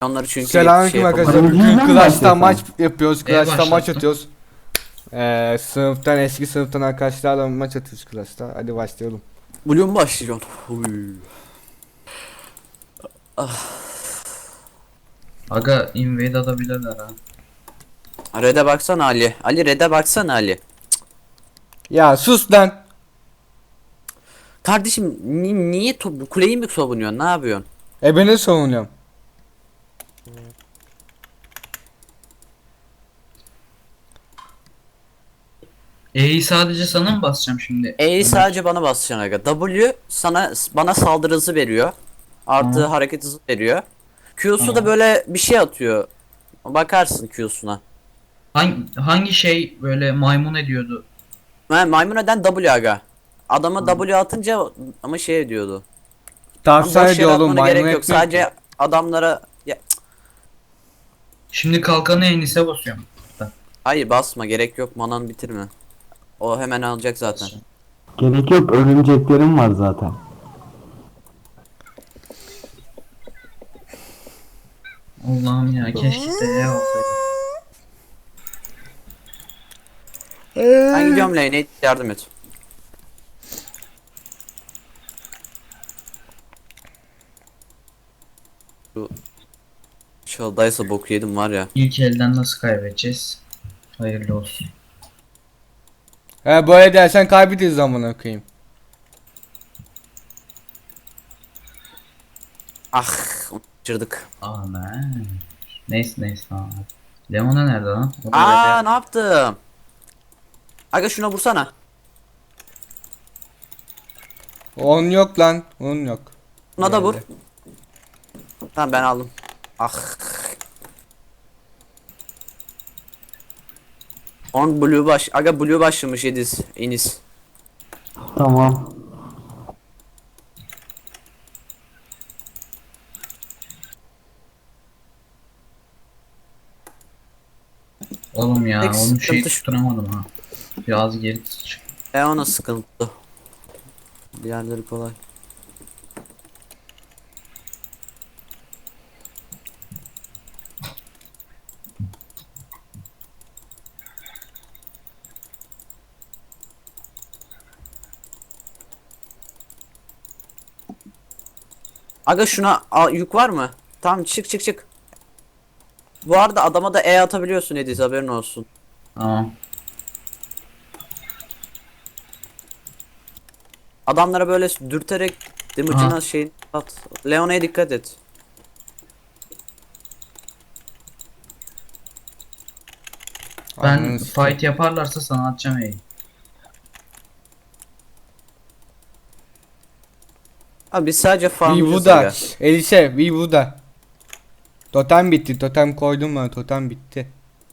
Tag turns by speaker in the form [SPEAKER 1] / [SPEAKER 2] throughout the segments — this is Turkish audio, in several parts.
[SPEAKER 1] Onları çünkü
[SPEAKER 2] Selamünaleyküm arkadaşlar.
[SPEAKER 3] yapamadım.
[SPEAKER 2] Bugün
[SPEAKER 3] Ben
[SPEAKER 2] Clash'ta
[SPEAKER 3] başlasam.
[SPEAKER 2] maç yapıyoruz. Clash'ta maç
[SPEAKER 3] başlattım.
[SPEAKER 2] atıyoruz. Sınıftan eski sınıftan arkadaşlarla maç atıyoruz Clash'ta. Hadi başlayalım.
[SPEAKER 1] Blue mu başlayacaksın? Uy.
[SPEAKER 3] Aga invade atabilirler ha.
[SPEAKER 1] Red'e baksana Ali. Ali Red'e baksana Ali.
[SPEAKER 2] Ya sus lan.
[SPEAKER 1] Kardeşim niye kuleyi mi savunuyorsun? Ne yapıyorsun?
[SPEAKER 2] Beni savunuyorum.
[SPEAKER 3] E'yi sadece sana mı basacağım şimdi?
[SPEAKER 1] E'yi sadece bana basacaksın aga. W bana saldırı hızı veriyor. Artı
[SPEAKER 3] Tamam.
[SPEAKER 1] hareket hızı veriyor. Q'su da
[SPEAKER 3] Tamam.
[SPEAKER 1] böyle bir şey atıyor. Bakarsın Q'suna.
[SPEAKER 3] Hangi şey böyle maymun ediyordu?
[SPEAKER 1] Maymun eden W aga. Adama W atınca ama şey diyordu.
[SPEAKER 2] Tavsiye
[SPEAKER 1] Boş yere
[SPEAKER 2] ediyor oğlum,
[SPEAKER 1] atmana
[SPEAKER 2] maymun
[SPEAKER 1] gerek yok.
[SPEAKER 2] etmiyor ki.
[SPEAKER 1] Sadece adamlara ya,
[SPEAKER 3] Şimdi kalkanı Enis'e basıyorum.
[SPEAKER 1] hayır basma, gerek yok, manan bitirme. O hemen alacak zaten.
[SPEAKER 4] Gerek yok, örümceklerim var zaten.
[SPEAKER 3] Allah'ım ya keşke de E olsaydı.
[SPEAKER 1] Ben gidiyorum lane'e, yardım et. Şu Çaldaysa boku yedim var ya.
[SPEAKER 3] İlk elden nasıl kaybedeceğiz? Hayırlı olsun.
[SPEAKER 2] Böyle dersen kaybederiz amına koyayım.
[SPEAKER 1] Ah, kaçırdık.
[SPEAKER 3] Aman. Neyse tamam. Leona nerede lan? O da
[SPEAKER 1] Aa,
[SPEAKER 3] Red'e-
[SPEAKER 1] ne yaptım? Aga şuna vursana.
[SPEAKER 2] On yok lan. On yok.
[SPEAKER 1] Buna da vur.
[SPEAKER 2] Geldi.
[SPEAKER 1] Tamam, ben aldım. Ah. On blue aga blue başlamış Ediz. Enis.
[SPEAKER 4] Tamam.
[SPEAKER 3] Oğlum ya
[SPEAKER 1] Tek
[SPEAKER 3] onun şeyi
[SPEAKER 1] sıkıntı şu-
[SPEAKER 3] tutturamadım ha. Biraz geri çık.
[SPEAKER 1] Ona sıkıntı. Diğerleri kolay. Aga şuna yük var mı? Tamam, çık. Bu arada adama da E atabiliyorsun Ediz, haberin olsun.
[SPEAKER 3] Tamam.
[SPEAKER 1] Adamlara böyle dürterek damage'ına
[SPEAKER 3] Aha.
[SPEAKER 1] şey at. Leona'ya dikkat et.
[SPEAKER 3] Ben
[SPEAKER 2] Ananı sikeyim.
[SPEAKER 3] fight yaparlarsa sana atacağım E'yi.
[SPEAKER 1] Abi biz sadece farmlayacağız
[SPEAKER 2] Vivu'da.
[SPEAKER 1] aga.
[SPEAKER 2] Elise Vivu'da. Totem bitti. Totem koydum ben. Totem bitti.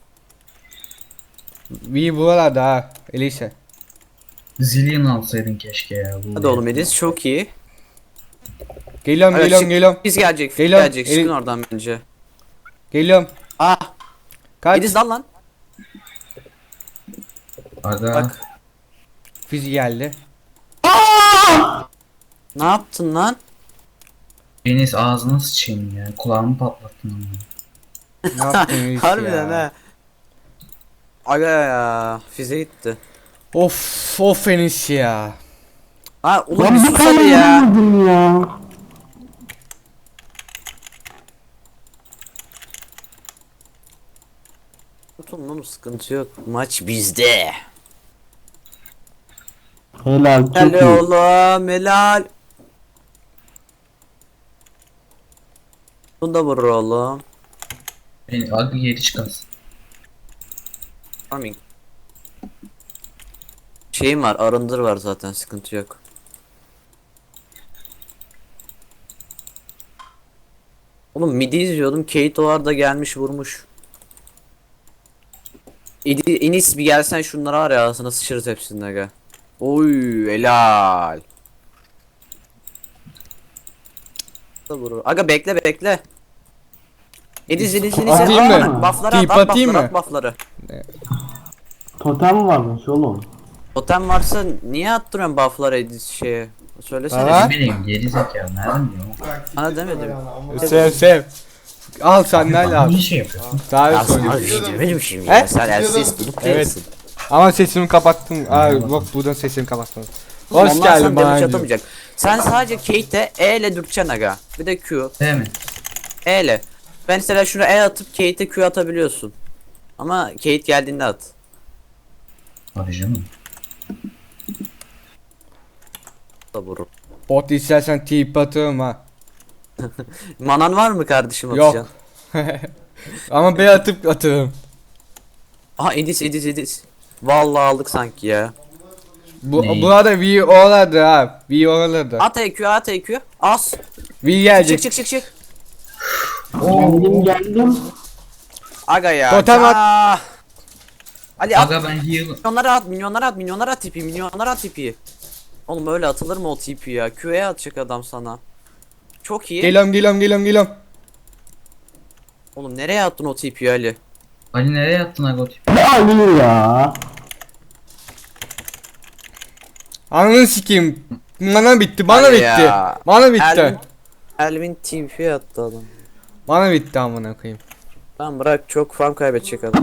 [SPEAKER 2] Vivu'da da Elise.
[SPEAKER 3] Zillion alsaydın keşke ya. Bu
[SPEAKER 1] Hadi oğlum Ediz, çok iyi.
[SPEAKER 2] Geliyorum
[SPEAKER 1] Aga,
[SPEAKER 2] geliyorum.
[SPEAKER 1] Biz gelecek,
[SPEAKER 2] Geliyorum,
[SPEAKER 1] gelecek. Çıkın oradan bence.
[SPEAKER 2] Geliyorum.
[SPEAKER 1] Ah,
[SPEAKER 2] Kaç?
[SPEAKER 1] Ediz dal lan.
[SPEAKER 3] Aga.
[SPEAKER 1] Bak.
[SPEAKER 2] Fizi geldi.
[SPEAKER 1] Ne yaptın lan?
[SPEAKER 3] Enis ağzına sıçayım ya. Kulağımı patlattın ama.
[SPEAKER 2] Ne yaptın Elise
[SPEAKER 1] Harbiden
[SPEAKER 2] ya?
[SPEAKER 1] ha. Aga ya, fize gitti.
[SPEAKER 2] Of Enis ya.
[SPEAKER 1] Ha oğlum
[SPEAKER 4] Lan
[SPEAKER 1] bir
[SPEAKER 4] bir
[SPEAKER 1] sus
[SPEAKER 4] tane
[SPEAKER 1] hadi ya.
[SPEAKER 4] vuramadım ya.
[SPEAKER 1] Tutun oğlum, sıkıntı yok. Maç bizde.
[SPEAKER 4] Helal, çok
[SPEAKER 1] Helal
[SPEAKER 4] iyi.
[SPEAKER 1] oğlum, helal. Bunu da vurur oğlum.
[SPEAKER 3] Aga geri çıkarsın.
[SPEAKER 1] Farming. Şeyim var, arındır var zaten, sıkıntı yok. Oğlum midi izliyordum, Kate var da gelmiş vurmuş. Enis bir gelsen şunlara var ya, ağzına sıçırız hepsini aga. Oy helal. Da vurur. Aga bekle. Ediz.
[SPEAKER 2] Atayım
[SPEAKER 4] mı?
[SPEAKER 1] Buff'ları
[SPEAKER 2] Tip
[SPEAKER 1] at,
[SPEAKER 2] atayım
[SPEAKER 1] buff'ları
[SPEAKER 2] mı?
[SPEAKER 1] at, buff'ları.
[SPEAKER 4] Totem varmış oğlum.
[SPEAKER 1] Totem varsa niye attırıyorsun buff'ları Ediz şeye? Söylesene.
[SPEAKER 2] Aha.
[SPEAKER 3] Ne bileyim geri zekalı nereden biliyorum?
[SPEAKER 1] Bana demedim.
[SPEAKER 2] Sev. Al sandalye al.
[SPEAKER 3] Niye şey yapıyorsun?
[SPEAKER 2] Daha
[SPEAKER 1] Ya
[SPEAKER 2] sonra.
[SPEAKER 1] sana video benim şimdi
[SPEAKER 2] He?
[SPEAKER 1] ya. Sen elsiz bulup
[SPEAKER 2] Evet.
[SPEAKER 1] değilsin.
[SPEAKER 2] Ama sesimi kapattım. Aa bak buradan sesimi kapattım.
[SPEAKER 1] Oğlum,
[SPEAKER 2] Hoş
[SPEAKER 1] onlar
[SPEAKER 2] geldin
[SPEAKER 1] sana
[SPEAKER 2] bana.
[SPEAKER 1] damage
[SPEAKER 2] diyor.
[SPEAKER 1] atamayacak. Sen sadece Kate'e E ile dürteceksin aga. Bir de Q.
[SPEAKER 3] Değil mi?
[SPEAKER 1] E ile. Ben mesela şunu E atıp Kate'e Q atabiliyorsun. Ama Kate geldiğinde at.
[SPEAKER 3] Hadi canım.
[SPEAKER 1] Da vurur.
[SPEAKER 2] Bot istersen tip atıyorum ha.
[SPEAKER 1] Manan var mı kardeşim
[SPEAKER 2] Yok.
[SPEAKER 1] atacaksın?
[SPEAKER 2] Ama B atıp atarım.
[SPEAKER 1] Aha Edis. Vallahi aldık sanki ya.
[SPEAKER 3] Neyi?
[SPEAKER 2] Burada V oralarda ha. V oralarda.
[SPEAKER 1] At EQ. As.
[SPEAKER 2] V
[SPEAKER 1] Çık
[SPEAKER 2] gelecek.
[SPEAKER 1] çık.
[SPEAKER 4] Geldim.
[SPEAKER 1] Aga ya.
[SPEAKER 2] Totem at.
[SPEAKER 1] ya. Ali at.
[SPEAKER 3] Aga ben heal.
[SPEAKER 1] Milyonlara at tipi. Oğlum öyle atılır mı o tipi ya? Q'ye atacak adam sana. Çok iyi.
[SPEAKER 2] Geliyorum.
[SPEAKER 1] Oğlum nereye attın o tipi Ali?
[SPEAKER 3] Ali nereye attın aga o tip?
[SPEAKER 4] Ne Ali ya?
[SPEAKER 2] Ananı sikeyim. Bana bitti. Bana
[SPEAKER 1] Hadi
[SPEAKER 2] bitti.
[SPEAKER 1] ya.
[SPEAKER 2] Bana bitti.
[SPEAKER 1] Elvin tipi attı adam.
[SPEAKER 2] Bana bitti amına koyayım.
[SPEAKER 1] Tamam bırak çok farm kaybedecek adam.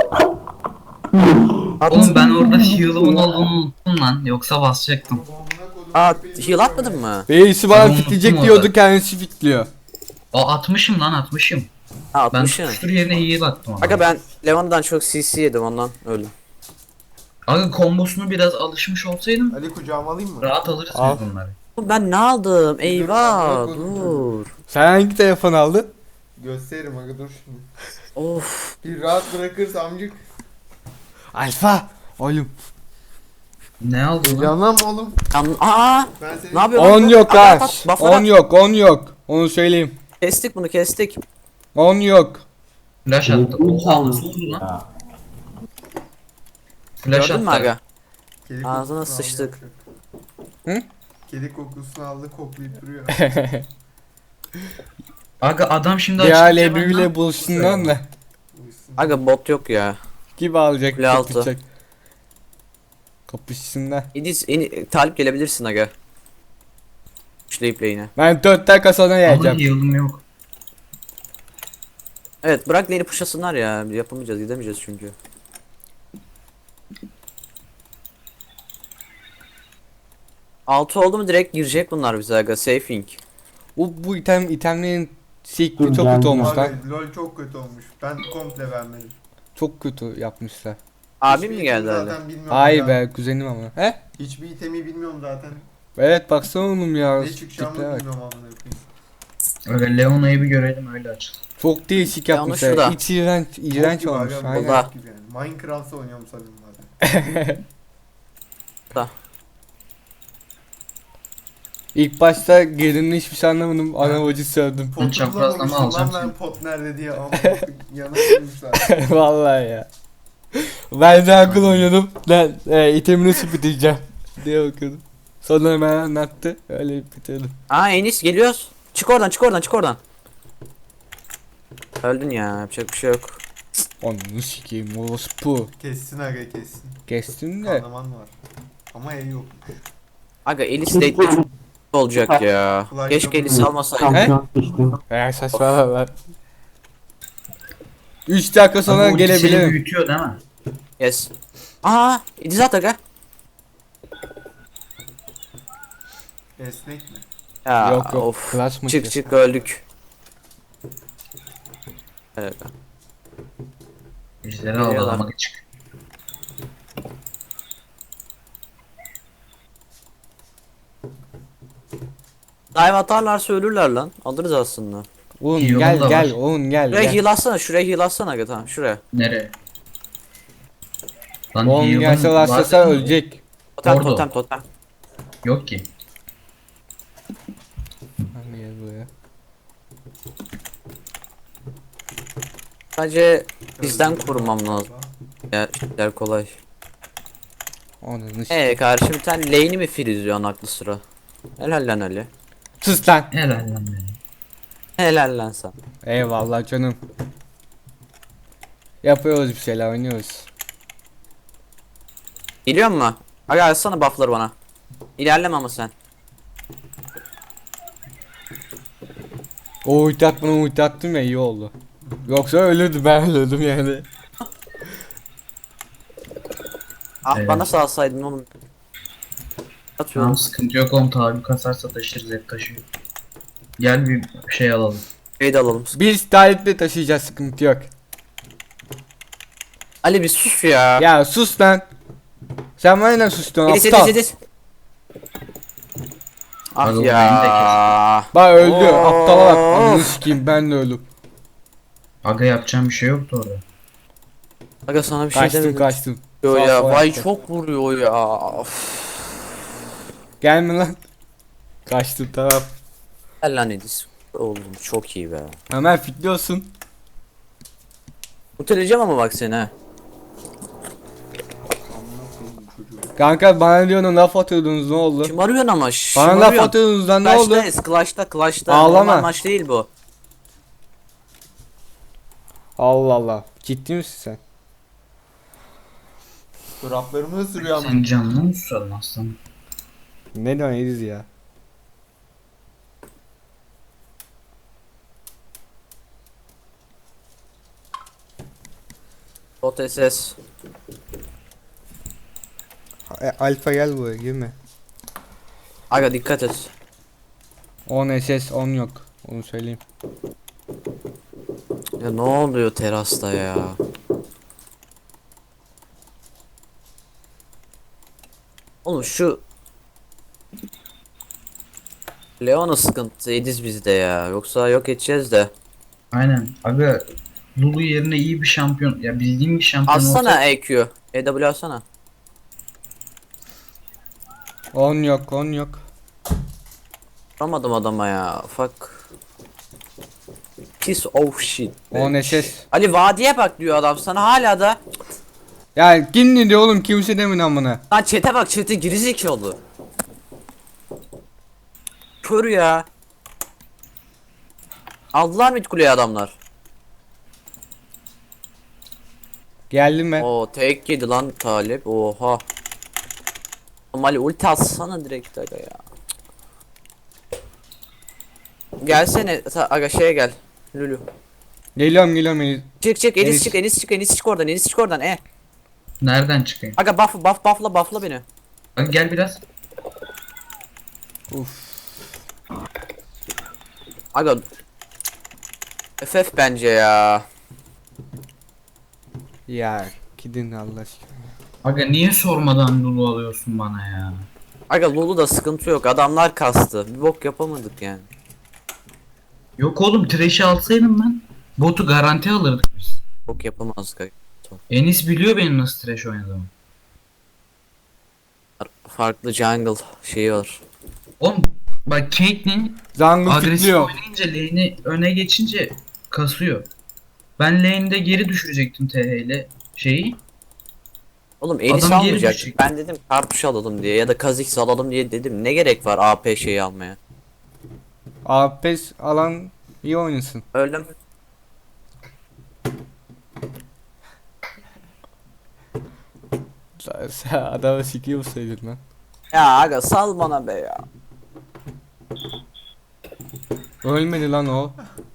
[SPEAKER 3] Oğlum ben orada heal'ımın olduğunu unuttum lan. Yoksa basacaktım.
[SPEAKER 1] Aa heal atmadın mı?
[SPEAKER 2] Reisi bana
[SPEAKER 3] Tamam,
[SPEAKER 2] fitleyecek
[SPEAKER 3] unuttum
[SPEAKER 2] diyordu
[SPEAKER 3] orada.
[SPEAKER 2] kendisi fitliyor.
[SPEAKER 3] Atmışım lan atmışım.
[SPEAKER 1] Ha
[SPEAKER 3] Ben
[SPEAKER 1] atmışsın.
[SPEAKER 3] tutuştur yerine heal attım ona.
[SPEAKER 1] Aga ben Levan'dan çok CC yedim ondan öldüm.
[SPEAKER 3] Aga kombosunu biraz alışmış olsaydım
[SPEAKER 5] Ali kucağıma alayım mı?
[SPEAKER 3] rahat alırız
[SPEAKER 2] Al.
[SPEAKER 3] biz bunları.
[SPEAKER 1] Oğlum ben ne aldım? Eyvah
[SPEAKER 5] dur,
[SPEAKER 1] dur.
[SPEAKER 2] Sen hangi telefon aldın?
[SPEAKER 5] Gösteririm aga dur şimdi.
[SPEAKER 1] Of.
[SPEAKER 5] Bir rahat bırakırsa amcık.
[SPEAKER 2] Alfa. Oğlum.
[SPEAKER 3] Ne aldın lan?
[SPEAKER 5] Heyecanlanma oğlum.
[SPEAKER 1] Aa
[SPEAKER 5] Ben seni...
[SPEAKER 1] ne yapıyorsun?
[SPEAKER 2] 10 yok
[SPEAKER 1] At,
[SPEAKER 2] ha.
[SPEAKER 1] at, at, buff'ları
[SPEAKER 2] 10
[SPEAKER 1] at.
[SPEAKER 2] yok 10 yok. Onu söyleyeyim.
[SPEAKER 1] Kestik bunu kestik.
[SPEAKER 2] 10 yok.
[SPEAKER 3] Flash attı.
[SPEAKER 4] Telefonum
[SPEAKER 3] Oha
[SPEAKER 4] çaldı.
[SPEAKER 3] nasıl oldu lan? Flash
[SPEAKER 1] Gördün mü
[SPEAKER 3] attı.
[SPEAKER 1] aga?
[SPEAKER 5] Kedi
[SPEAKER 1] Ağzına
[SPEAKER 5] kokusunu
[SPEAKER 1] sıçtık.
[SPEAKER 5] aldı.
[SPEAKER 2] Hı?
[SPEAKER 5] Kedi kokusunu aldı koklayıp duruyor.
[SPEAKER 3] Aga adam şimdi
[SPEAKER 2] Ya
[SPEAKER 3] açıkça
[SPEAKER 2] Lebri
[SPEAKER 3] ben
[SPEAKER 2] bile
[SPEAKER 3] lan-
[SPEAKER 2] buluşsundan da.
[SPEAKER 5] Uyusun.
[SPEAKER 1] Aga bot yok ya.
[SPEAKER 2] Gibi alacak
[SPEAKER 1] Kule altı.
[SPEAKER 2] kapışacak. Kapışsınlar.
[SPEAKER 1] İdiz talip gelebilirsin aga. Üçleyip lane'e.
[SPEAKER 2] Ben 4 dakika sonra
[SPEAKER 3] Ama
[SPEAKER 2] geleceğim.
[SPEAKER 3] heal'ım yok.
[SPEAKER 1] Evet bırak lane'i pushlasınlar ya. Yapamayacağız gidemeyeceğiz çünkü. Altı oldu mu direkt girecek bunlar bize aga. Safing.
[SPEAKER 2] Bu itemlerin sikli
[SPEAKER 4] Dur,
[SPEAKER 2] çok
[SPEAKER 4] geldim.
[SPEAKER 2] kötü olmuş lan.
[SPEAKER 5] Abi LOL çok kötü olmuş. Ben komple vermedim.
[SPEAKER 2] Çok kötü yapmışlar.
[SPEAKER 1] Abim
[SPEAKER 5] Hiçbir
[SPEAKER 1] mi geldi
[SPEAKER 5] itemi
[SPEAKER 1] öyle?
[SPEAKER 5] zaten bilmiyorum
[SPEAKER 2] Hayır
[SPEAKER 5] ya.
[SPEAKER 2] be kuzenim ama. He?
[SPEAKER 5] Hiçbir itemi bilmiyorum zaten.
[SPEAKER 2] Evet baksana oğlum ya.
[SPEAKER 5] Ne çıkacağımı
[SPEAKER 2] tiplere bak.
[SPEAKER 5] bilmiyorum amına koyayım.
[SPEAKER 3] Öyle Leona'yı bir görelim öyle açıl.
[SPEAKER 2] Çok değişik
[SPEAKER 1] Ya onu
[SPEAKER 2] yapmışlar.
[SPEAKER 1] şurada.
[SPEAKER 2] İç iğrenç
[SPEAKER 5] Bok gibi
[SPEAKER 2] olmuş.
[SPEAKER 5] aga,
[SPEAKER 2] Aynen.
[SPEAKER 1] Burada.
[SPEAKER 5] bok gibi yani. Minecraft'ta oynuyorum sanırım zaten.
[SPEAKER 2] İlk başta girdiğimde hiçbir şey anlamadım. Ana bacı sövdüm.
[SPEAKER 5] Potu
[SPEAKER 3] çaprazlama
[SPEAKER 5] bulamamıştım
[SPEAKER 3] alacağım
[SPEAKER 5] lan ben
[SPEAKER 3] seni.
[SPEAKER 5] pot nerede diye amına koyayım. Yana koymuşlar.
[SPEAKER 2] Vallahi ya. Ben de akıl oynuyordum. Ben itemi nasıl bitireceğim diye bakıyordum. Sonra hemen anlattı. Öyle bitirdim.
[SPEAKER 1] Aa Enis geliyoruz. Çık oradan. Öldün ya yapacak bir şey yok.
[SPEAKER 2] Onu sikeyim orospu.
[SPEAKER 5] Kessin aga kessin.
[SPEAKER 2] Kestim de.
[SPEAKER 5] Kanaman var. Ama el yok.
[SPEAKER 1] Aga Elis late olacak ya.
[SPEAKER 5] Flash
[SPEAKER 1] Keşke
[SPEAKER 5] yok.
[SPEAKER 1] Elis almasaydı.
[SPEAKER 4] Şampiyon seçtim.
[SPEAKER 2] Saçmalama lan. 3 dakika sonra
[SPEAKER 3] Ama ulti seni
[SPEAKER 2] gelebilirim.
[SPEAKER 3] büyütüyor değil mi?
[SPEAKER 1] Yes. Aa Ediz at aga.
[SPEAKER 5] Esnek mi?
[SPEAKER 1] Ya
[SPEAKER 2] Yok yok.
[SPEAKER 1] of.
[SPEAKER 2] Flash mı?
[SPEAKER 1] Çık öldük. Evet.
[SPEAKER 3] Ejderi aldırmak çık.
[SPEAKER 1] Dive atarlarsa ölürler lan. Alırız aslında.
[SPEAKER 2] Oğlum
[SPEAKER 3] İyi,
[SPEAKER 2] gel
[SPEAKER 3] onun da
[SPEAKER 2] gel
[SPEAKER 3] var.
[SPEAKER 2] oğlum gel
[SPEAKER 1] Şuraya
[SPEAKER 2] gel.
[SPEAKER 1] heal atsana aga tamam şuraya.
[SPEAKER 3] Nereye? Lan
[SPEAKER 2] Oğlum
[SPEAKER 3] heal'ım
[SPEAKER 2] gelse
[SPEAKER 3] var
[SPEAKER 2] başlasa
[SPEAKER 3] dedim.
[SPEAKER 2] ölecek.
[SPEAKER 3] Orada.
[SPEAKER 1] Totem.
[SPEAKER 3] Yok ki.
[SPEAKER 2] Hani gel buraya.
[SPEAKER 1] Sadece bizden korumam lazım. Ya işler kolay.
[SPEAKER 2] Onu
[SPEAKER 1] Kardeşim sen lane'i mi freezliyorsun aklı sıra? Helal lan Ali.
[SPEAKER 2] Sus lan.
[SPEAKER 3] Helal lan beni.
[SPEAKER 1] Helal lan sen.
[SPEAKER 2] Eyvallah canım. Yapıyoruz bir şeyler oynuyoruz.
[SPEAKER 1] Geliyor mu? Aga alsana buff'ları bana. İlerleme ama sen.
[SPEAKER 2] O ulti atmana ulti attım ya iyi oldu. Yoksa ölürdü ben ölürdüm yani.
[SPEAKER 1] Ah
[SPEAKER 3] Evet.
[SPEAKER 1] bana salsaydın oğlum. Atıyorum.
[SPEAKER 3] Tamam sıkıntı yok oğlum, tabi kasarsa taşırız, hep taşıyor. Gel bir şey alalım.
[SPEAKER 1] Şey de alalım.
[SPEAKER 2] Biz taleple taşıyacağız sıkıntı yok.
[SPEAKER 1] Ali bir sus ya.
[SPEAKER 2] Ya sus lan. Sen bana ne sustun
[SPEAKER 1] Edis
[SPEAKER 2] aptal.
[SPEAKER 1] Edis. Ah
[SPEAKER 3] Abi,
[SPEAKER 1] ya.
[SPEAKER 2] Bak öldü
[SPEAKER 1] Of.
[SPEAKER 2] aptala bak. Ananı sikeyim ben de öldüm.
[SPEAKER 3] Aga yapacağım bir şey yoktu orada.
[SPEAKER 1] Aga sana bir şey
[SPEAKER 2] Kaçtım
[SPEAKER 1] demedim.
[SPEAKER 2] kaçtım.
[SPEAKER 1] Yo
[SPEAKER 2] Sağ
[SPEAKER 1] ya
[SPEAKER 2] sol
[SPEAKER 1] vay
[SPEAKER 2] yaptım.
[SPEAKER 1] çok vuruyor ya. Of.
[SPEAKER 2] Gelme lan. Kaçtım tamam.
[SPEAKER 1] Gel lan Edis. Oğlum çok iyi be.
[SPEAKER 2] Hemen fitliyorsun.
[SPEAKER 1] Muteleyeceğim ama bak seni ha.
[SPEAKER 5] Amına koyayım çocuğu.
[SPEAKER 2] Kanka bana diyorsun laf atıyordunuz ne oldu?
[SPEAKER 1] Kim arıyorsun ama?
[SPEAKER 2] Bana laf atıyordunuz lan ne oldu?
[SPEAKER 1] Clash'ta.
[SPEAKER 2] Ağlama.
[SPEAKER 1] Normal maç değil bu.
[SPEAKER 2] Allah Allah. Ciddi misin sen?
[SPEAKER 5] Çoraplarımı ısırıyor ama.
[SPEAKER 3] Senin canını mı susalım aslanım?
[SPEAKER 2] Ne diyorsun Ediz ya?
[SPEAKER 1] Bot SS.
[SPEAKER 2] Alfa gel buraya girme.
[SPEAKER 1] Aga dikkat et.
[SPEAKER 2] 10 SS 10 yok. Onu söyleyeyim.
[SPEAKER 1] Ya ne oluyor terasta ya? Oğlum şu Leona sıkıntı Ediz bizde ya. Yoksa yok edeceğiz de.
[SPEAKER 3] Aynen. Aga Lulu yerine iyi bir şampiyon, ya bildiğim bir şampiyon olsa.
[SPEAKER 1] Alsana EQ. EW alsana.
[SPEAKER 2] 10 yok 10 yok.
[SPEAKER 1] Vuramadım adama ya. Fuck. Piece of shit.
[SPEAKER 2] 10 SS.
[SPEAKER 1] Ali vadiye bak diyor adam sana hala da.
[SPEAKER 2] Ya kim ne diyor oğlum kimse demin amına.
[SPEAKER 1] Lan chat'e bak chat'e gerizekalı. Kör ya. Aldılar mı kuleye adamlar?
[SPEAKER 2] Geldim ben.
[SPEAKER 1] Oo tek yedi lan Talip. Oha. Ali ulti atsana direkt aga ya. Gelsene aga şeye gel. Lulu.
[SPEAKER 2] Geliyorum Ediz.
[SPEAKER 1] Çık
[SPEAKER 2] Enis.
[SPEAKER 1] Enis çık oradan
[SPEAKER 3] Nereden çıkayım?
[SPEAKER 1] Aga buffla beni.
[SPEAKER 3] Aga gel biraz.
[SPEAKER 2] Uf.
[SPEAKER 1] Aga FF bence ya.
[SPEAKER 2] Ya gidin Allah aşkına.
[SPEAKER 3] Aga niye sormadan Lulu alıyorsun bana ya?
[SPEAKER 1] Aga Lulu da sıkıntı yok. Adamlar kastı. Bir bok yapamadık yani.
[SPEAKER 3] Yok oğlum, Thresh'i alsaydım ben. Botu garanti alırdık biz.
[SPEAKER 1] Bok yapamazdık aga.
[SPEAKER 3] Enis biliyor benim nasıl Thresh oynadığımı.
[SPEAKER 1] Farklı jungle şeyi var.
[SPEAKER 3] Oğlum bak, Caitlyn
[SPEAKER 2] Zangıl
[SPEAKER 3] agresif
[SPEAKER 2] fitliyor.
[SPEAKER 3] oynayınca lane'i öne geçince kasıyor. Ben lane'de geri düşürecektim TH ile şeyi.
[SPEAKER 1] Oğlum Enis
[SPEAKER 3] Adam geri
[SPEAKER 1] almayacak.
[SPEAKER 3] düşecek.
[SPEAKER 1] Ben dedim kartuş alalım diye ya da Kha'Zix alalım diye dedim. Ne gerek var AP şeyi almaya?
[SPEAKER 2] Apes alan iyi oynasın.
[SPEAKER 1] Öyle mi?
[SPEAKER 2] Sen adamı sikiyor musaydın lan?
[SPEAKER 1] Ya aga sal bana be ya.
[SPEAKER 2] Ölmedi lan o.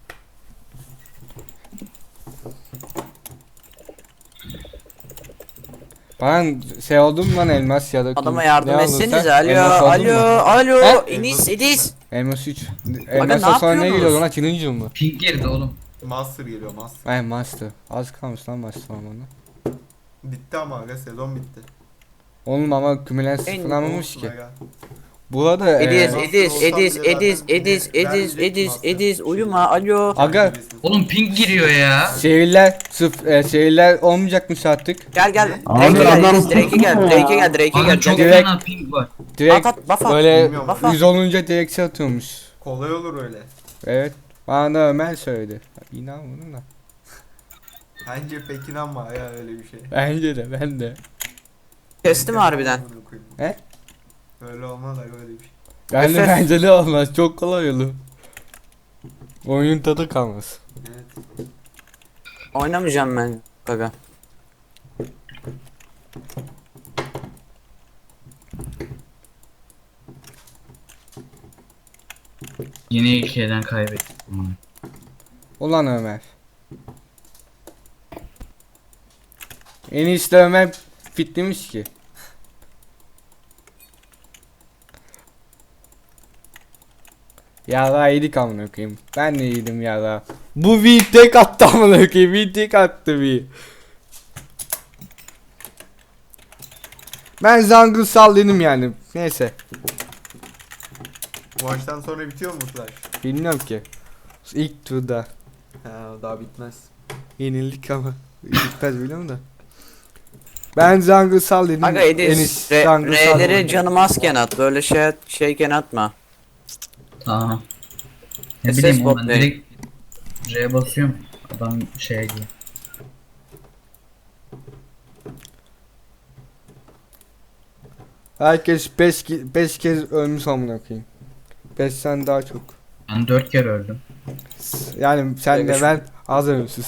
[SPEAKER 2] Ben şey oldum lan elmas ya da
[SPEAKER 1] Adama
[SPEAKER 2] ne
[SPEAKER 1] yardım
[SPEAKER 2] aldın
[SPEAKER 1] etsenize.
[SPEAKER 2] sen?
[SPEAKER 1] Alo
[SPEAKER 2] Elmas aldın mı?
[SPEAKER 1] alo.
[SPEAKER 2] He?
[SPEAKER 1] Enis Edis.
[SPEAKER 2] Elmas 3.
[SPEAKER 1] ne
[SPEAKER 2] Elmas sonra ne
[SPEAKER 1] yapıyorsunuz?
[SPEAKER 2] geliyor lan? Challenger mı?
[SPEAKER 3] Pink girdi oğlum.
[SPEAKER 5] Master geliyor Master.
[SPEAKER 2] Ay master. Az kalmış lan master olmanı.
[SPEAKER 5] Bitti ama aga sezon bitti.
[SPEAKER 2] Oğlum ama kümülansız
[SPEAKER 1] En
[SPEAKER 2] falan olmamış
[SPEAKER 5] Olsun
[SPEAKER 2] ki.
[SPEAKER 5] aga.
[SPEAKER 2] Burada
[SPEAKER 1] Edis
[SPEAKER 5] Master
[SPEAKER 1] Edis uyuma alo.
[SPEAKER 2] Aga
[SPEAKER 3] Oğlum Pink giriyor ya.
[SPEAKER 2] şehirler şehirler olmayacakmış artık.
[SPEAKER 1] Gel.
[SPEAKER 4] Abi adam
[SPEAKER 1] Drake'e gel.
[SPEAKER 3] Aga çok
[SPEAKER 2] Direkt-
[SPEAKER 3] fena Pink var.
[SPEAKER 2] Direkt
[SPEAKER 1] At buff at.
[SPEAKER 2] böyle
[SPEAKER 5] Bilmiyorum.
[SPEAKER 1] Buff at.
[SPEAKER 2] 100 olunca direkt şey atıyormuş.
[SPEAKER 5] Kolay olur öyle.
[SPEAKER 2] Evet. Bana da Ömer söyledi. İnanmadım da.
[SPEAKER 5] Bence pek inanma ya öyle bir şey.
[SPEAKER 2] Bence de ben de.
[SPEAKER 1] Kesti mi harbiden?
[SPEAKER 2] He?
[SPEAKER 5] Öyle olmaz aga öyle bir şey.
[SPEAKER 2] Ben de
[SPEAKER 1] Efe.
[SPEAKER 2] bence de olmaz. Çok kolay olur. Oyunun tadı kalmaz.
[SPEAKER 5] Evet.
[SPEAKER 1] Oynamayacağım ben aga.
[SPEAKER 3] Yine 2'den kaybettik.
[SPEAKER 2] Ulan Ömer. En iyisi de Ömer fitlemiş ki. Yara yedik amına koyayım. Ben de yedim yara. Bu V tek attı amına koyayım. V tek attı V. Ben jungle sal dedim yani. Neyse.
[SPEAKER 5] Bu maçtan sonra bitiyor mu Flash?
[SPEAKER 2] Bilmiyorum ki. İlk turda.
[SPEAKER 5] Ha daha bitmez.
[SPEAKER 2] Yenildik ama. Bitmez biliyorum da. Ben jungle sal dedim.
[SPEAKER 1] Aga Ediz
[SPEAKER 2] Enis, jungle sal
[SPEAKER 1] R'leri
[SPEAKER 2] dedim.
[SPEAKER 1] canım azken at. Böyle şeyken atma.
[SPEAKER 3] Tamam. Ne
[SPEAKER 1] SS
[SPEAKER 3] bileyim
[SPEAKER 1] bot
[SPEAKER 3] ben
[SPEAKER 1] ne?
[SPEAKER 3] direkt R basıyorum. Adam şeye gidiyor.
[SPEAKER 2] Herkes 5 kez ölmüş amına koyayım. 5'ten daha çok.
[SPEAKER 3] Ben 4 kere öldüm.
[SPEAKER 2] Yani sen de
[SPEAKER 1] Beş-
[SPEAKER 2] ben az ölümsüz.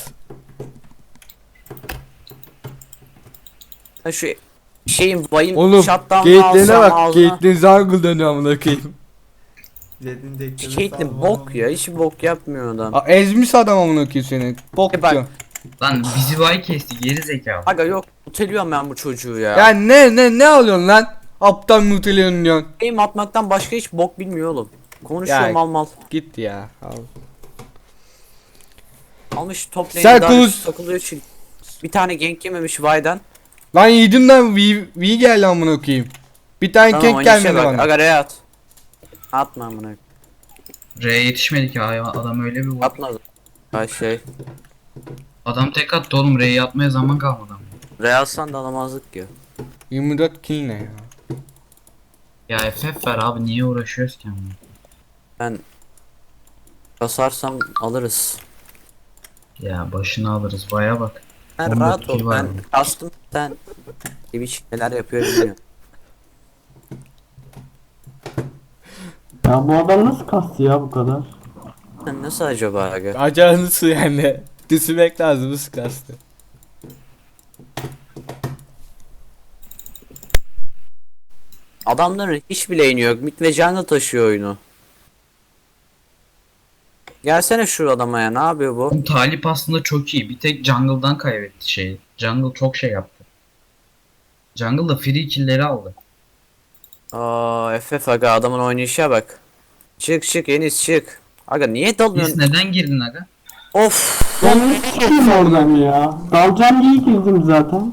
[SPEAKER 1] Ha şu şeyin vayın
[SPEAKER 2] Oğlum
[SPEAKER 1] shutdown'unu
[SPEAKER 2] gate'lerine
[SPEAKER 1] alsam
[SPEAKER 2] bak.
[SPEAKER 1] ağzına.
[SPEAKER 2] Gate'lerin jungle dönüyor amına koyayım.
[SPEAKER 5] Zed'in dekleri
[SPEAKER 1] Caitlyn bok ya. Hiç bok yapmıyor adam.
[SPEAKER 2] Aa, ezmiş adam amına koyayım seni. Bok
[SPEAKER 1] E bak.
[SPEAKER 2] diyor.
[SPEAKER 3] Lan bizi vay kesti geri zekalı.
[SPEAKER 1] Aga yok. Uteliyorum ben bu çocuğu ya.
[SPEAKER 2] Ya ne alıyorsun lan? Aptal muteliyorsun diyorsun.
[SPEAKER 1] Game atmaktan başka hiç bok bilmiyor oğlum. Konuşuyor
[SPEAKER 2] Ya.
[SPEAKER 1] mal mal.
[SPEAKER 2] Git ya. Al.
[SPEAKER 1] Almış top
[SPEAKER 2] Sen
[SPEAKER 1] lane'i
[SPEAKER 2] konuş.
[SPEAKER 1] takılıyor için. Bir tane gank yememiş Vay'dan.
[SPEAKER 2] Lan yedim lan V geldi amına koyayım. Bir tane
[SPEAKER 1] Tamam
[SPEAKER 2] kek
[SPEAKER 1] oynayışa
[SPEAKER 2] gelmedi
[SPEAKER 1] bak.
[SPEAKER 2] bana.
[SPEAKER 1] Aga R'ye at. Atma amına.
[SPEAKER 3] R'ye yetişmedik ya adam öyle bir vurdu.
[SPEAKER 1] Atma. Ay şey.
[SPEAKER 3] Adam tek attı oğlum R'ye atmaya zaman kalmadı.
[SPEAKER 1] R'ye atsan da alamazdık ki.
[SPEAKER 2] 24 kill ne ya?
[SPEAKER 3] Ya FF ver abi niye uğraşıyoruz ki onunla?
[SPEAKER 1] Ben basarsam alırız.
[SPEAKER 3] Ya başını alırız baya bak.
[SPEAKER 1] Ben
[SPEAKER 3] 14
[SPEAKER 1] rahat
[SPEAKER 3] kill
[SPEAKER 1] ol.
[SPEAKER 3] var
[SPEAKER 1] Ben
[SPEAKER 3] mı?
[SPEAKER 1] kastım sen gibi şeyler yapıyor bilmiyorum.
[SPEAKER 4] Ya bu adam nasıl kastı ya bu kadar?
[SPEAKER 1] Sen nasıl acaba aga?
[SPEAKER 2] Acanlısı yani. Düşünmek lazım nasıl kastı.
[SPEAKER 1] Adamların hiç bileğini yok. Mid ve jungle taşıyor oyunu. Gelsene şu adama ya. Ne yapıyor bu?
[SPEAKER 3] Bu Talip aslında çok iyi. Bir tek jungle'dan kaybetti şeyi. Jungle çok şey yaptı. Jungle da free kill'leri aldı.
[SPEAKER 1] Aa FF aga adamın oynayışa bak. Çık Enis çık. Aga niye
[SPEAKER 3] Biz
[SPEAKER 1] dalıyorsun?
[SPEAKER 3] neden girdin aga?
[SPEAKER 1] Of.
[SPEAKER 4] Ben ne çıkayım oradan ya? Dalacağım diye girdim zaten.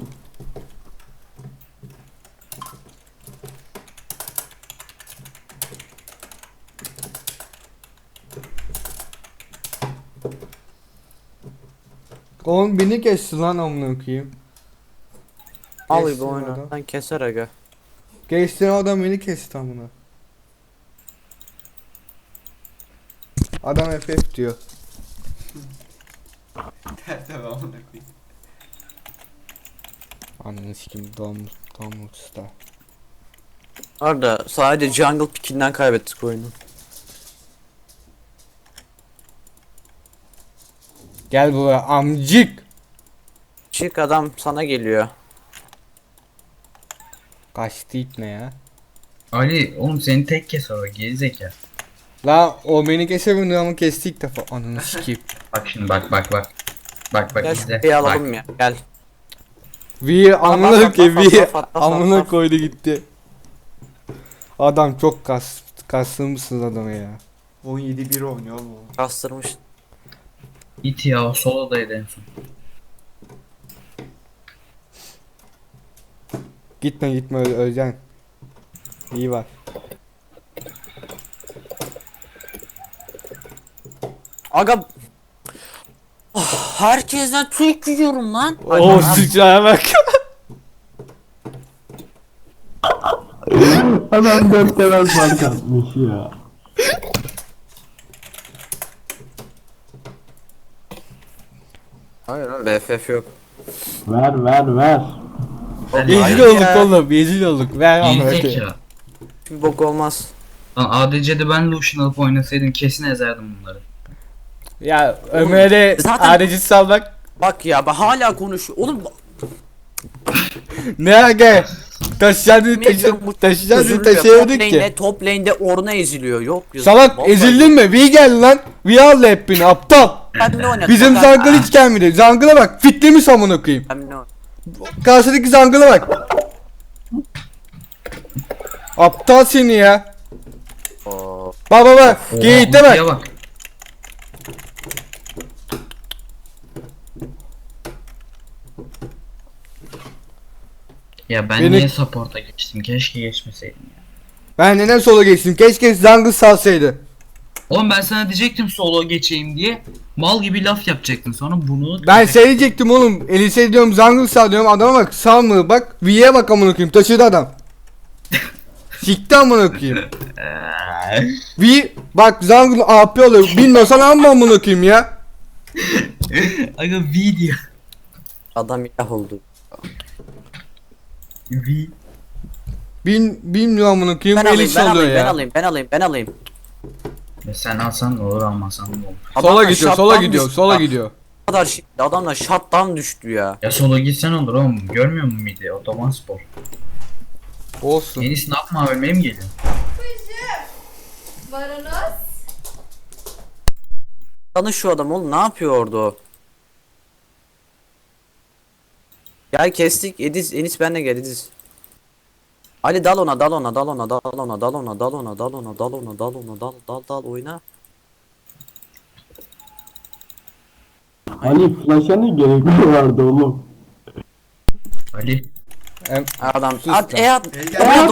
[SPEAKER 2] Oğlum beni kesti lan amına koyayım.
[SPEAKER 1] Al
[SPEAKER 2] Geçsin
[SPEAKER 1] gibi oyna.
[SPEAKER 2] adam.
[SPEAKER 1] Sen keser aga.
[SPEAKER 2] Geçtiğin adam beni kesti amına. Adam FF diyor.
[SPEAKER 5] Tertemiz amına koyayım.
[SPEAKER 2] Ananı sikim Domuz usta.
[SPEAKER 1] Orada sadece jungle pickinden kaybettik oyunu.
[SPEAKER 2] Gel buraya amcık.
[SPEAKER 1] Çık adam sana geliyor.
[SPEAKER 2] Kaçtı ip ne ya?
[SPEAKER 3] Ali oğlum seni tek kes orada gerizekalı.
[SPEAKER 2] La o beni kesemedi ama kesti ilk defa. Ananı sikeyim.
[SPEAKER 3] Bak şimdi bak. Bak
[SPEAKER 1] Gel şu
[SPEAKER 3] izle.
[SPEAKER 1] kupeyi
[SPEAKER 3] Bak.
[SPEAKER 1] alalım ya. Gel.
[SPEAKER 2] Bir amına
[SPEAKER 1] bak,
[SPEAKER 2] ki
[SPEAKER 1] bak,
[SPEAKER 2] bir
[SPEAKER 1] bak, bak, bak,
[SPEAKER 2] amına
[SPEAKER 1] bak.
[SPEAKER 2] koydu gitti. Adam çok kastırmışsınız adamı ya.
[SPEAKER 5] 17-1 oynuyor oğlum.
[SPEAKER 1] Kastırmış.
[SPEAKER 3] İt ya o solodaydı en son.
[SPEAKER 2] Gitme öleceksin. İyi var.
[SPEAKER 1] Aga. Oh, herkesten Türk yiyorum lan.
[SPEAKER 2] Oo sıçraya bak.
[SPEAKER 4] Adam 4 level fark atmış ya.
[SPEAKER 1] Hayır lan BFF yok.
[SPEAKER 4] Ver.
[SPEAKER 2] Rezil olduk oğlum rezil olduk. Ver amına
[SPEAKER 3] Gerizek
[SPEAKER 2] koyayım.
[SPEAKER 3] ya.
[SPEAKER 1] Bir bok olmaz.
[SPEAKER 3] Lan ADC'de ben Lucian alıp oynasaydım kesin ezerdim bunları.
[SPEAKER 2] Ya Ömer'e
[SPEAKER 1] zaten-
[SPEAKER 2] adeci salmak
[SPEAKER 1] Bak ya hala konuşuyor. Oğlum
[SPEAKER 2] ne aga? Taşıyacaksın taşıyacaksın taşıyamadık ki.
[SPEAKER 1] Top lane'de Ornna eziliyor. Yok.
[SPEAKER 2] Salak
[SPEAKER 1] Vallahi
[SPEAKER 2] ezildin mi? V geldi lan. V al hep beni aptal.
[SPEAKER 1] Ben ne oynadım?
[SPEAKER 2] Bizim Jungle hiç gelmedi. Jungle'a bak. Fitlemiş amına koyayım.
[SPEAKER 1] Ben ne oynadım?
[SPEAKER 2] Karşıdaki Jungle'a bak. Aptal seni ya.
[SPEAKER 1] Oo.
[SPEAKER 2] Bak.
[SPEAKER 3] Oha,
[SPEAKER 2] Gate'e
[SPEAKER 3] ultiye
[SPEAKER 2] bak.
[SPEAKER 3] bak. Ya ben
[SPEAKER 2] Beni-
[SPEAKER 3] niye support'a geçtim? Keşke geçmeseydim ya.
[SPEAKER 2] Ben neden sola geçtim? Keşke Jungle salsaydı.
[SPEAKER 3] Oğlum ben sana diyecektim solo geçeyim diye. Mal gibi laf yapacaktın sonra bunu...
[SPEAKER 2] Ben şey diyecektim oğlum. Elise diyorum Jungle sal diyorum. Adama bak sal mı? Bak V'ye bak amına koyayım. Taşıdı adam. Sikti amına koyayım. V bak Jungle AP oluyor. Bilmiyorsan amma amına koyayım ya.
[SPEAKER 3] Aga V diyor.
[SPEAKER 1] Adam ilah oldu.
[SPEAKER 3] V.
[SPEAKER 2] Bilmiyorum amına koyayım.
[SPEAKER 1] Ben alayım,
[SPEAKER 2] Elise
[SPEAKER 1] ben
[SPEAKER 2] oluyor
[SPEAKER 1] alayım,
[SPEAKER 2] ya.
[SPEAKER 1] ben alayım.
[SPEAKER 3] Ya sen alsan ne olur almasan ne olur.
[SPEAKER 2] Sola
[SPEAKER 1] Adamlar
[SPEAKER 2] gidiyor,
[SPEAKER 1] shutdown
[SPEAKER 2] sola gidiyor,
[SPEAKER 1] düştü
[SPEAKER 2] sola
[SPEAKER 1] ya.
[SPEAKER 2] gidiyor.
[SPEAKER 1] Bu kadar şey. Adamlar shutdown düştü ya.
[SPEAKER 3] Ya solo gitsen olur oğlum. Görmüyor musun midi? Otoban spor.
[SPEAKER 2] Olsun.
[SPEAKER 3] Enis ne yapma ölmeye mi geliyor?
[SPEAKER 6] Varonos.
[SPEAKER 1] Tanış şu adam oğlum, ne yapıyor orada o? Gel kestik. Enis benle gel Ediz. Ali dal oyna.
[SPEAKER 4] Ali flash'a ne gerek vardı oğlum?
[SPEAKER 3] Ali.
[SPEAKER 1] Adam
[SPEAKER 2] Sus
[SPEAKER 1] at
[SPEAKER 2] lan.
[SPEAKER 1] at.
[SPEAKER 4] gel.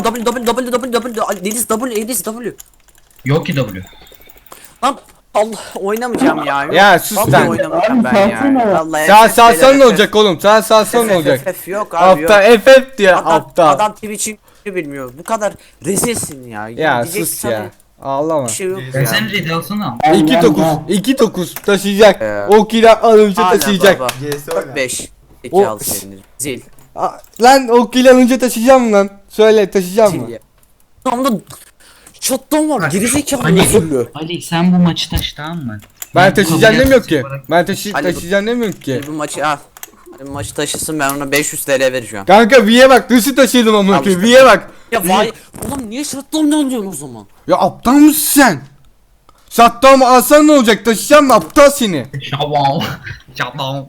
[SPEAKER 1] W Ediz W.
[SPEAKER 3] Yok ki W.
[SPEAKER 1] Lan Allah oynamayacağım ya.
[SPEAKER 2] Ya sus
[SPEAKER 1] Vallahi
[SPEAKER 2] lan.
[SPEAKER 1] oynamayacağım ben
[SPEAKER 4] Abi salsana.
[SPEAKER 1] ya. Vallahi
[SPEAKER 2] Sen
[SPEAKER 1] FF
[SPEAKER 2] salsan ne
[SPEAKER 1] FF.
[SPEAKER 2] olacak oğlum? Sen salsan ne olacak?
[SPEAKER 1] FF yok abi yok.
[SPEAKER 2] Aptal FF diye aptal.
[SPEAKER 1] Adam Twitch'in bilmiyor. Bu kadar rezilsin ya.
[SPEAKER 2] Ya
[SPEAKER 1] Diyecek
[SPEAKER 2] sus
[SPEAKER 1] sana
[SPEAKER 2] ya. Ağlama.
[SPEAKER 1] Bir şey yok
[SPEAKER 3] Ya
[SPEAKER 1] ya.
[SPEAKER 3] sen red alsana.
[SPEAKER 2] 2-9 taşıyacak.
[SPEAKER 1] Ee,
[SPEAKER 2] O kila alınca
[SPEAKER 1] Hala
[SPEAKER 2] taşıyacak.
[SPEAKER 1] baba.
[SPEAKER 5] GS oyna.
[SPEAKER 1] 4-5.
[SPEAKER 2] O-
[SPEAKER 1] 2 al senin. Zil.
[SPEAKER 2] Lan o kila alınca taşıyacağım mı lan? Söyle taşıyacağım mı?
[SPEAKER 1] Zil ya. Tamam da shutdown var. Gerizekalı
[SPEAKER 3] Ali.
[SPEAKER 1] üzüldü.
[SPEAKER 3] Ali sen bu maçı taş tamam mı?
[SPEAKER 2] Ben taşıyacağım
[SPEAKER 3] kabul
[SPEAKER 2] demiyorum ki.
[SPEAKER 3] etmeyecek
[SPEAKER 2] Ben
[SPEAKER 1] Ali-
[SPEAKER 2] taşıyacağım demiyorum ki.
[SPEAKER 1] Bu maçı al. Bu maçı taşısın, ben ona 500 TL vereceğim.
[SPEAKER 2] Kanka V'ye bak nasıl taşıyordum amına
[SPEAKER 1] Al
[SPEAKER 2] koyayım.
[SPEAKER 1] işte.
[SPEAKER 2] V'ye bak.
[SPEAKER 1] Ya vay. Ulan niye shutdown alıyorsun o zaman?
[SPEAKER 2] Ya aptal mısın sen? Sattığım mı alsan ne olacak? Taşıyacağım mı aptal seni?
[SPEAKER 3] Şavam. Şavam.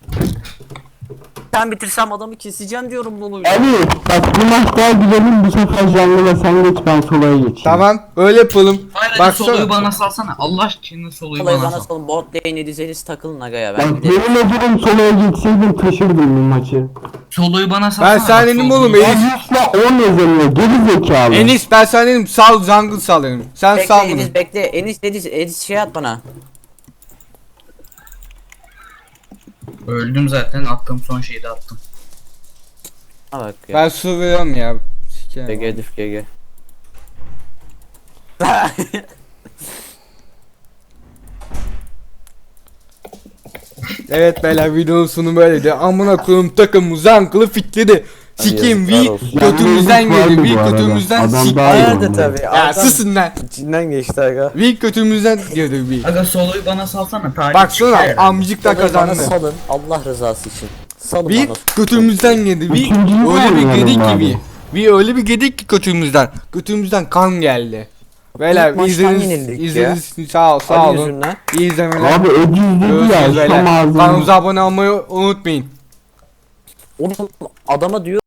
[SPEAKER 1] Sen bitirsem adamı keseceğim diyorum bunu.
[SPEAKER 4] Ali bak bu maç daha güzelim, bu sefer Jungle'a sen geç, ben solaya geçeyim.
[SPEAKER 2] Tamam öyle yapalım.
[SPEAKER 3] Hayır hadi soloyu
[SPEAKER 2] Baksana.
[SPEAKER 3] bana salsana. Allah aşkına soloyu
[SPEAKER 1] Olayı
[SPEAKER 3] bana
[SPEAKER 1] bana
[SPEAKER 3] sal.
[SPEAKER 1] salın, bot lane Edizeniz takılın aga ya,
[SPEAKER 4] Bak
[SPEAKER 1] ben gidelim.
[SPEAKER 4] yemin ederim solaya geçseydim taşırdım bu maçı.
[SPEAKER 3] Soloyu bana salsana.
[SPEAKER 2] Ben sana
[SPEAKER 3] bak,
[SPEAKER 2] dedim
[SPEAKER 3] soloyu-
[SPEAKER 2] oğlum Enis.
[SPEAKER 4] Enis'le 10 yazılıyor geri zekalı.
[SPEAKER 2] Enis ben sana dedim sal jungle sal dedim. Sen
[SPEAKER 1] Bekle
[SPEAKER 2] sal bunu.
[SPEAKER 1] Ediz bekle. Ediz şey at bana.
[SPEAKER 3] Öldüm zaten attığım son şeyi de attım.
[SPEAKER 1] Ha bak ya.
[SPEAKER 2] Ben su veriyorum ya. Sikerim.
[SPEAKER 1] GG Edif GG.
[SPEAKER 2] Evet beyler videonun sonu böyleydi. Amına koyayım takımı zankılı fitledi. Sikeyim
[SPEAKER 1] yazıklar
[SPEAKER 2] vi
[SPEAKER 1] olsun.
[SPEAKER 2] kötümüzden
[SPEAKER 4] Yani
[SPEAKER 2] geldi.
[SPEAKER 4] vardı
[SPEAKER 2] Vi
[SPEAKER 4] bu arada.
[SPEAKER 2] kötümüzden
[SPEAKER 4] Adam
[SPEAKER 2] sikti.
[SPEAKER 4] daha iyi
[SPEAKER 1] Nerede
[SPEAKER 4] oynadı.
[SPEAKER 1] tabi.
[SPEAKER 2] Ya susun lan.
[SPEAKER 1] İçinden geçti aga.
[SPEAKER 2] Vi kötümüzden geldi vi.
[SPEAKER 3] Aga soloyu bana salsana. Talih
[SPEAKER 2] Baksana
[SPEAKER 3] çıkar herhalde.
[SPEAKER 2] amcık da
[SPEAKER 1] Bana
[SPEAKER 2] kazandı.
[SPEAKER 1] salın Allah rızası için. Salın
[SPEAKER 2] Vi
[SPEAKER 1] bana.
[SPEAKER 2] kötümüzden geldi. Vi
[SPEAKER 4] Üçüncüyü
[SPEAKER 2] öyle bir
[SPEAKER 4] oynayalım
[SPEAKER 2] gedik ki
[SPEAKER 4] abi.
[SPEAKER 2] vi. Vi öyle bir gedik ki kötümüzden. Kötümüzden kan geldi. Beyler
[SPEAKER 1] İlk maçtan
[SPEAKER 2] izlediğiniz
[SPEAKER 1] yenildik ya.
[SPEAKER 2] sağ ol sağ
[SPEAKER 1] Ali
[SPEAKER 2] olun.
[SPEAKER 1] yüzünden.
[SPEAKER 2] İyi izlemeler.
[SPEAKER 4] Abi Ediz dedi ya
[SPEAKER 2] Görüşürüz
[SPEAKER 4] şu
[SPEAKER 2] beyler.
[SPEAKER 4] ağzını.
[SPEAKER 2] Kanalımıza abone olmayı unutmayın.
[SPEAKER 1] Oğlum adama diyor